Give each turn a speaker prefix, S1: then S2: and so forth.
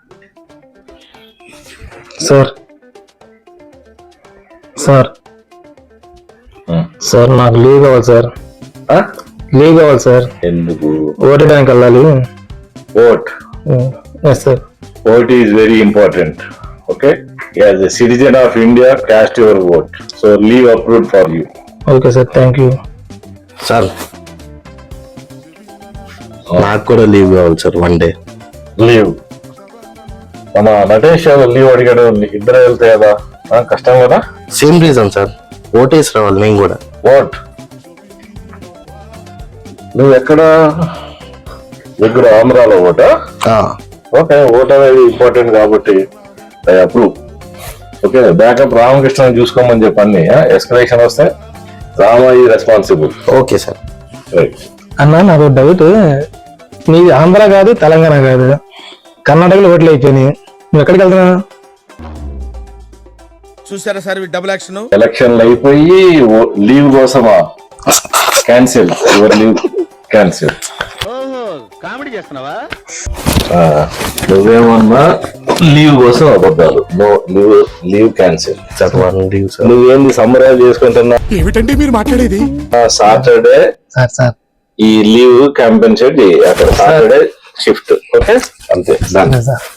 S1: Sir sir sir నాకు leave కావాలి sir. Leave కావాలి సార్.
S2: ఎందుకు?
S1: ఓటేయడానికి వెళ్ళాలి.
S2: Vote?
S1: Yes sir.
S2: Vote is very important. Okay, as a citizen of India, cast your vote. So leave approved for you.
S1: Okay sir, thank you
S3: sir. నాకు కూడా leave కావాలి sir, 1 day
S2: leave. మన Natesh leave అడిగాడు, ఇద్దరు వెళ్తే కదా కష్టం కదా.
S3: సేమ్ రీజన్ సార్, ఓటేసి రావాలి మేము కూడా.
S2: ఓట్ నువ్వు ఎక్కడ దగ్గర ఆంధ్రాలో ఓటా? ఓకే, ఓట్ అనేది ఇంపార్టెంట్ కాబట్టి I approve. Okay, backup Ramakrishna చూసుకోమని చెప్పండి. ఎస్కలేషన్ వస్తే రామ ఈ రెస్పాన్సిబుల్.
S3: Okay sir.
S2: రైట్
S1: అన్న, నాకు డౌట్. నీది ఆంధ్ర కాదు, తెలంగాణ కాదు, కర్ణాటకలో ఓట్లు అయిపోయినాయి. నువ్వు ఎక్కడికి వెళ్తున్నా?
S4: చూసారా సార్ డబుల్ యాక్షన్.
S2: ఎలక్షన్లు అయిపోయి లీవ్ కోసమా? Cancel your leave, cancel.
S4: Comedy చేస్తున్నావా?
S2: నువ్వేమన్నా లీవ్ కోసం అబద్ధాలు. No leave, leave cancel.
S3: Leave sir.
S2: నువ్వేంది సమ్మరైజ్ చేసుకుంటున్నా?
S4: ఏమిటండి మీరు మాట్లాడేది?
S2: సాటర్డే
S1: సార్
S2: ఈ లీవ్ కంపెన్సేట్ చేయి. అక్కడ సాటర్డే షిఫ్ట్. ఓకే, అంతే.
S1: సార్